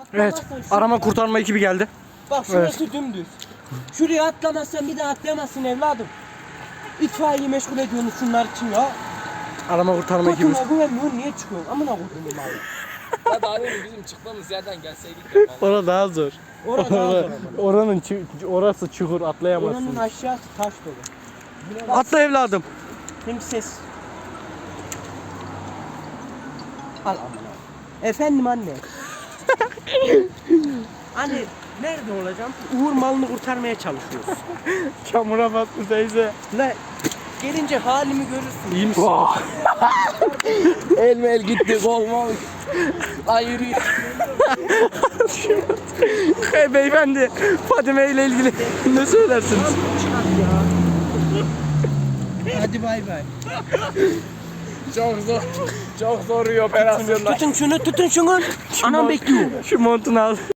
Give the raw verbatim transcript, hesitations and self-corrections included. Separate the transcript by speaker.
Speaker 1: Evet.
Speaker 2: atlamazsan
Speaker 1: Arama
Speaker 2: şuraya-
Speaker 1: kurtarma ekibi geldi.
Speaker 2: Bak şurası dümdüz. Şuraya atlamazsan bir daha atlayamazsın evladım. İtfaiyeyi meşgul ediyorsunuz şunlar için ya.
Speaker 1: Arama kurtarma ekibi.
Speaker 2: Kotuna güvenmiyorsun niye çıkıyorsun? Amına koydum abi.
Speaker 3: Ya daha demin bizim çıktığımız yerden gelseydik ya.
Speaker 1: Orada daha zor.
Speaker 2: Orada daha zor ama.
Speaker 1: Oranın çu- orası çukur, atlayamazsın.
Speaker 2: Oranın aşağısı taş dolu.
Speaker 1: Atla evladım.
Speaker 2: Hem ses. Al amına. Efendim anne. Anne nerede olacağım? Uğur malını kurtarmaya çalışıyoruz.
Speaker 1: Çamura battı teyze.
Speaker 2: La gelince halimi görürsün.
Speaker 1: İyi misin?
Speaker 3: El mel gitti kol mol. Hayır.
Speaker 1: Hey beyefendi, Fadime ile ilgili ne söylersiniz?
Speaker 2: Hadi bay bay.
Speaker 3: Çok zor. Çok zor bir operasyonlar.
Speaker 2: Tutun şunu tutun şunu. Anam bekliyor.
Speaker 1: Şu montunu al.